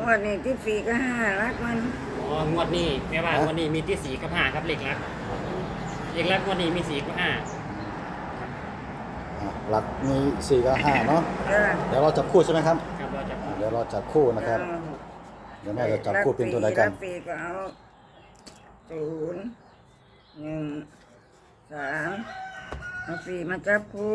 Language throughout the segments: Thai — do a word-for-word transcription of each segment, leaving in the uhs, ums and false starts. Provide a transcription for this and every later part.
วดนี้ที่สี่ก็ห้ารักมันอ๋องวดนี้แม่ว่างวดนี้มีที่สี่กับห้าครับเลขลักเลขลักงวดนี้มีสี่กับห้าหลักมีสี่กับห้าเนาะเดี๋ยวเราจับคู่ใช่ไหมครับครับเราจับเดี๋ยวเราจับคู่นะครับเดี๋ยวแม่จะจับคู่เป็นตัวใดกันสี่ก็เอาศูนย์หนึ่งสามเอาสี่มาจับคู่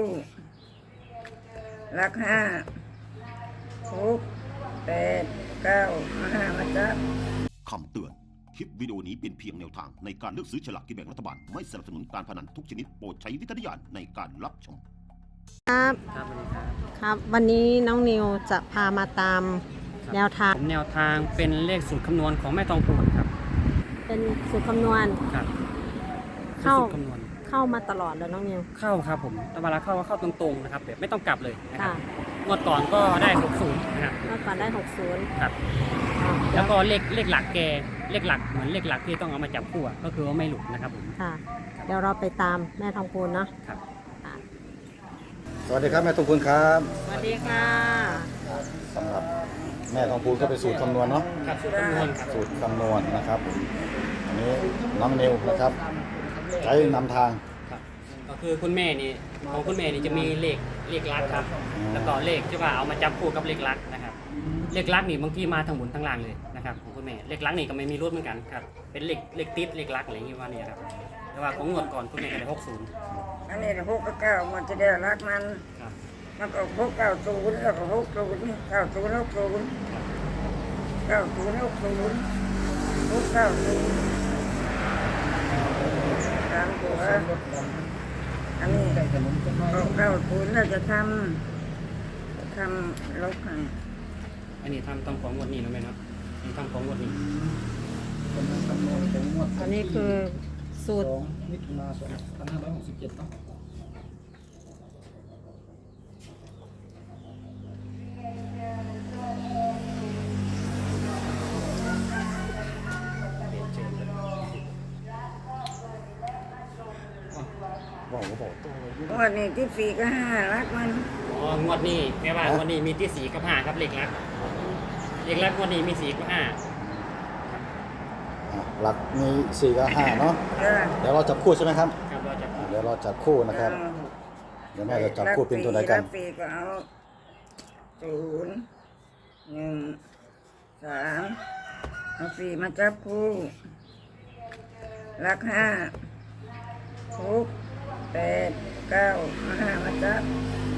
รักห้าหกแปดเก้าห้ามาจับคำเตือนคลิปวิดีโอนี้เป็นเพียงแนวทางในการเลือกซื้อฉลากกินแบ่งรัฐบาลไม่สนับสนุนการพนันทุกชนิดโปรดใช้วิจารณญาณในการรับชมครับครับสวัสดีครับครับวันนี้น้องนิวจะพามาตามแนวทางแนวทางเป็นเลขสูตรคำนวณของแม่ทองพูนครับเป็นสูตรคำนวณครับเข้าคำนวณเข้ามาตลอดเลยน้องนิวเข้าครับผมแต่เวลาเข้าก็เข้าตรงๆนะครับแบบไม่ต้องกลับเลยนะครับค่ะงวดก่อนก็ได้หกสิบนะครับเมื่อก่อนได้หกสิบครับแล้วก็เลขเลขหลักแกเลขหลักเหมือนเลขหลักที่ต้องเอามาจับคู่ก็คือว่าไม่หลุดนะครับผมค่ะเดี๋ยวเราไปตามแม่ทองพูนเนาะครับสวัสดีครับแม่ทองพูนครับสวัสดีค่ะสำหรับแม่ทองพูนก็เป็นสูตรคำนวณเนาะครับสูตรคำนวณครับสูตรคำนวณนะครับอันนี้น้องนิวนะครับใช้นำทางครับก็คือคุณแม่นี่ของคุณแม่นี่จะมีเลขเลขลักครับแล้วก็เลขที่ว่าเอามาจับคู่กับเลขลักนะครับเลขลักนี่บางทีมาทั้งบนทั้งล่างเลยนะครับของคุณแม่เลขลักนี่ก็ไม่มีรูดเหมือนกันครับเป็นเลขเลขติดเลขลักอะไรอย่างนี้ว่านี่ครับแต่ว่าของงวดก่อนคุณแม่ก็ได้หกศูนย์อันนี้หกกับเก้ามันจะได้รักมันมันก็หกเก้าศูนย์แล้วก็หกศูนย์เก้าศูนย์หกศูนย์เก้าศูนย์หกศูนย์หกเก้าศูนย์ตามตัวอันนี้หกเก้าศูนย์เราจะทำทำลบให้อันนี้ทำต้องของงวดนี้นะแม่เนาะนี่ทำของงวดนี้อันนี้คือสูตรมิถุนาสองพันห้าร้อยหกสิบเจ็ดต้องบอกก็บอกงวดนี้ที่สี่ก็ห้ารักมันอ๋องวดนี้แม่ว่างวดนี้มีที่สี่กับห้าครับเลขลักเลขลักงวดนี้มีสี่กับห้าหลักมีสี่กับห้าเนาะเดี๋ยวเราจับคู่ใช่ไหมครับครับเราจับเดี๋ยวเราจับคู่นะครับเดี๋ยวแม่จะจับคู่เป็นตัวไหนกันสี่ก็เอาศูนย์หนึ่งสามเอาสี่มาจับคู่รักห้าหกแปดเก้าห้ามาจับ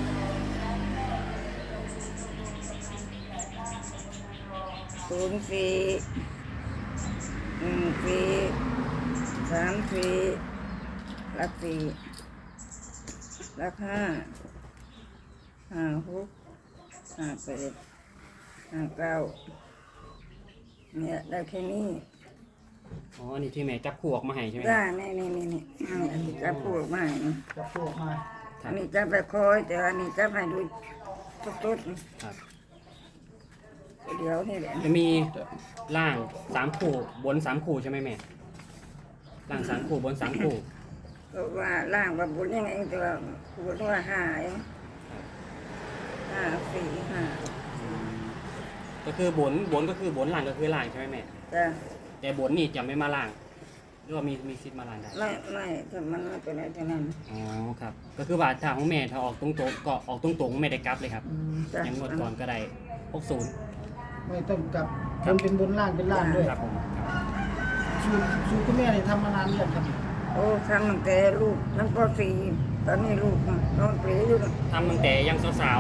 ศูนย์สี่หนึ่งสี่สามสี่รักสี่รักห้าห้าหกห้าแปดห้าเก้าเนี่ยได้แค่นี้อ๋อนี่ที่แม่จับคู่ออกมาให้ใช่ไหมได้นี่นี่นี่นี่จับคู่ออกมาจับคู่ออกมาอันนี้จับไปคอยแต่อันนี้จับให้ดูทุกๆครับเดี๋ยวนี่แหละจะมีล่างสามคู่บนสามคู่ใช่ไหมแม่ล่างสามคู่บนสามคู่ก็ว่าล่างว่าบนยังไงแต่ว่าบนว่าห้าเองห้าสี่ห้าก็คือบนบนก็คือบนล่างก็คือล่างใช่ไหมแม่จ้ะแต่บนนี่จะไม่มาล่างหรือว่ามีมีซิดมาล่างได้ไม่ไม่ถ้ามันไม่เป็นอะไรทั้งนั้นอ๋อครับก็คือว่าถ้าของแม่ถ้าออกตรงๆก็ออกตรงๆไม่ได้กลับเลยครับยังงวดก่อนก็ได้หกศูนย์ไม่ต้องกลับทำเป็นบนล่างเป็นล่างด้วยครับผมสูตรสูตรคุณแม่เนี่ยทำมานานหรือยังครับโอ้ทำตั้งแต่ลูกนั่งปสี่ตอนนี้ลูกน้องเปรี้อยู่ทำตั้งแต่ยังสาว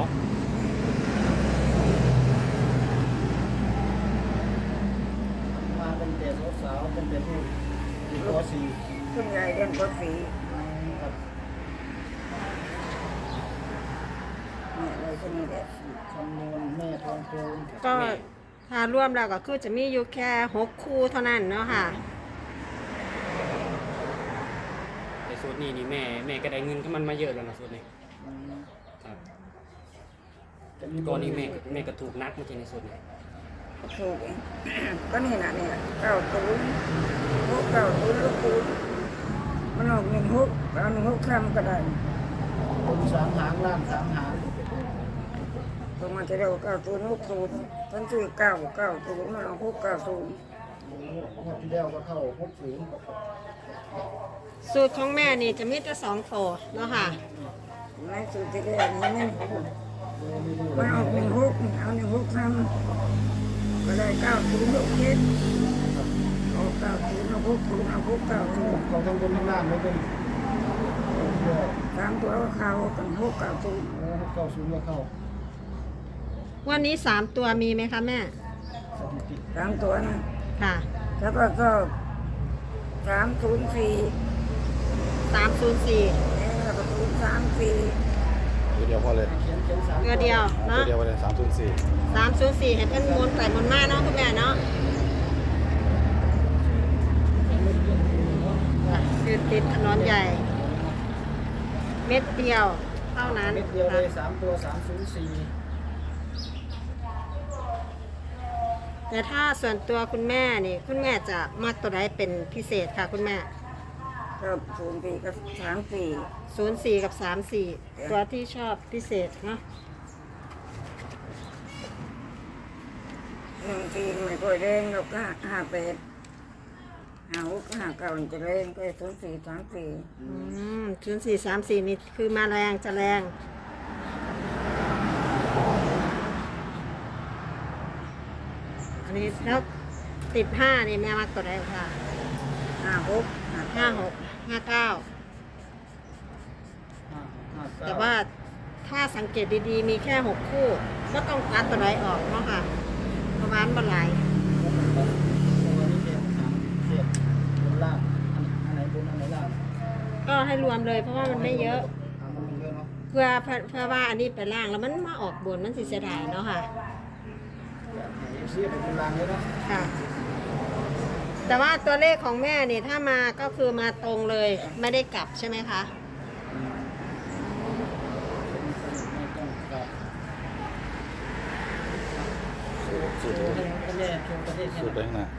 มาตั้งแต่สาวๆตั้งแต่ลูกอยู่ปสี่ขึ้นใหญ่เรียนปสี่เนี่ยอะไรก็นี่แหละคำนวณแม่ทองพูนก็ถ้ารวมแล้วก็คือจะมีอยู่แค่หกคู่เท่านั้นเนาะค่ะแต่สูตรนี้นี่แม่แม่ก็ได้เงินก็มันมาเยอะแล้วนะสูตรนี้ครับก่อนนี้แม่แม่ก็ถูกนักมาจริงในสูตรนี้ถูกเองก็นี่นะเนี่ยเก้าศูนย์หกเก้าศูนย์ลูกศูนย์มันออกหนึ่งหกเอาหนึ่งหกคำก็ได้บนสามหางล่างสามหางบตัวมันจะเรียกว่าเก้าศูนย์หกศูนย์ฉันซื้อเก้าเก้าศูนย์มันเอาหกเก้าศูนย์งวดที่แล้วก็เข้าหกศูนย์สูตรของแม่นี่จะมีแต่สองโถเนาะค่ะในสุดที่เรียกนี้มันมันเอาหนึ่งหกเอาหนึ่งหกทำก็ได้เก้าศูนย์หกเจ็ดเอาเก้าศูนย์เอาหกศูนย์เอาหกเก้าศูนย์เขาต้องบนข้างล่างไม่เป็นสามตัวก็เข้ากันหกเก้าศูนย์เก้าศูนย์ก็เข้าวันนี้สามตัวมีไหมคะแม่สถิติสามตัวนะค่ะแล้วก็ก็สามศูนย์สี่สามศูนย์สี่แล้วก็ศูนย์สามสี่ตัวเดียวพอเลยเขียนเขียนสามตัวเดียวอ่าตัวเนาะเดียวพอเลยสามศูนย์สี่สามศูนย์สี่เห็นเป็นมูลใส่มูลมากเนาะคุณแม่เนาะอ่ะคือติดถนนใหญ่ เม็ดเดียวเท่านั้นเม็ดเดียวเลยสามตัวสามศูนย์สี่แต่ถ้าส่วนตัวคุณแม่นี่คุณแม่จะมักตัวใดเป็นพิเศษค่ะคุณแม่ก็ศูนย์สี่กับสามสี่ศูนย์สี่กับสามสี่ตัวที่ชอบพิเศษเนาะหนึ่งสี่ไม่ค่อยแรงเราก็ห้าแปดห้าหกห้าเก้ามันจะแรงก็ศูนย์สี่สามสี่อืมศูนย์สี่สามสี่นี่คือมาแรงจะแรง อันนี้แล้วติดห้านี่แม่มักตัวใดค่ะห้าหกห้าหกห้าเก้าห้าห้าเก้าแต่ว่าถ้าสังเกตดีๆ มีแค่หกคู่ก็ต้องตัดตัวใดออกเนาะค่ะประมาณบรรลัยตัวนี้เจ็ดสามเจ็ดบนล่างอันไหนบนอันไหนล่างก็ให้รวมเลยเพราะว่ามันไม่เยอะอ่ามันไม่เยอะเนาะเพื่อเพื่อเพื่อว่าอันนี้ไปล่างแล้วมันมาออกบนมันสิเสียดายเนาะค่ะเอฟซีเป็นบนล่างเลยเนาะค่ะ แต่ว่าตัวเลขของแม่นี่ถ้ามาก็คือมาตรงเลย ไม่ได้กลับใช่ไหมคะไม่ต้องกลับสูตรให้แม่ชมประเทศสูตรไปข้างหน้า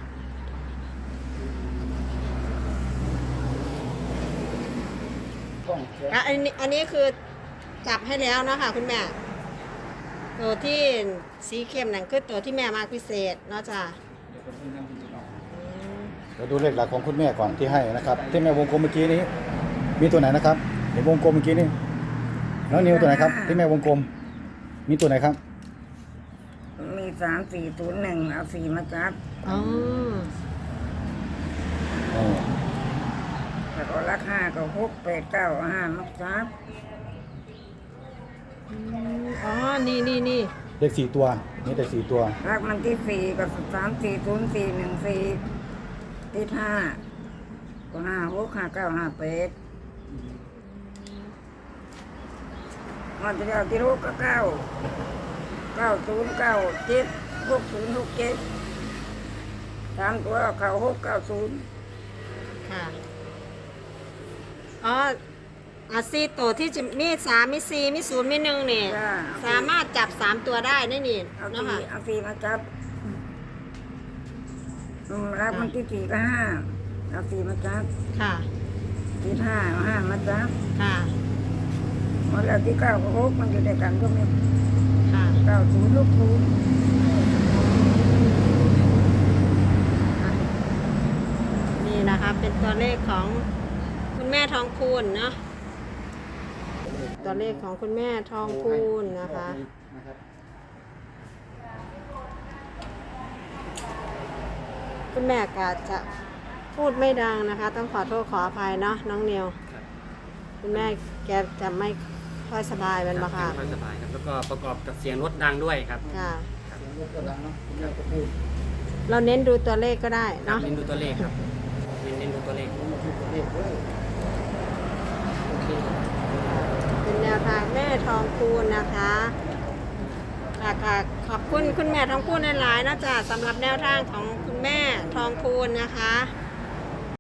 กล้องอ่ะอันนี้อันนี้คือจับให้แล้วเนาะค่ะคุณแม่ ตัวที่สีเข้มนั่นคือตัวที่แม่มากพิเศษเนาะจ้ะเดี๋ยวผมทำกิจกรรมเราดูเลขหลักของคุณแม่ก่อนที่ให้นะครับ ที่แม่วงกลมเมื่อกี้นี้ มีตัวไหนนะครับเห็นวงกลมเมื่อกี้นี้น้องนิวตัวไหนครับ ที่แม่วงกลม มีตัวไหนครับมีสามสี่ศูนย์หนึ่งเอาสี่มาจับอ๋ออ๋อแล้วก็รักห้าก็หกแปดเก้าห้ามาจับอืมอ๋อ นี่นี่นี่เลขสี่ตัว นี่แต่สี่ตัวรักมันที่สี่กับสามสี่ศูนย์สี่หนึ่งสี่ที่ห้าก็ห้าหกห้าเก้าห้าแปดมันจะเอาที่หกก็เก้าเก้าศูนย์เก้าเจ็ดหกศูนย์หกเจ็ดสามตัวเอาเข้าหกเก้าศูนย์ค่ะ อ๋ออาซีตัวที่จะมีสามมีสี่มีศูนย์มีหนึ่งนี่จ้าสามารถจับสามตัวได้นี่นี่เอาเนาะสี่ค่ะเอาสี่มาจับอืมรักมันที่สี่ก็ห้าเอาสี่มาจับค่ะที่ห้าเอาห้ามาจับค่ะหมดแล้วที่เก้าก็หกมันอยู่ด้วยกันก็มีค่ะเก้าศูนย์ลูกศูนย์นี่นะคะ เป็นตัวเลขของคุณแม่ทองคูณเนาะ ตัวเลขของคุณแม่ทองคูณนะคะนะครับคุณแม่ก็จะพูดไม่ดังนะคะ ต้องขอโทษขออภัยเนาะน้องเนียวครับคุณแม่แกจะไม่ค่อยสบายเป็นปะคะไม่ค่อยสบายครับแล้วก็ประกอบกับเสียงรถดังด้วยครับค่ะเสียงรถกระดังเนาะคุณแม่ก็พูดเราเน้นดูตัวเลขก็ได้ครับเนาะเน้นดูตัวเลขครับเน้นเน้นดูตัวเลขผมมาพูดประเทศด้วยโอเคเป็นแนวทางแม่ทองคูณนะคะค่ะค่ะขอบคุณคุณแม่ทองคูณหลายๆนะจ๊ะสำหรับแนวทางของคุณแม่ทองคูณนะคะ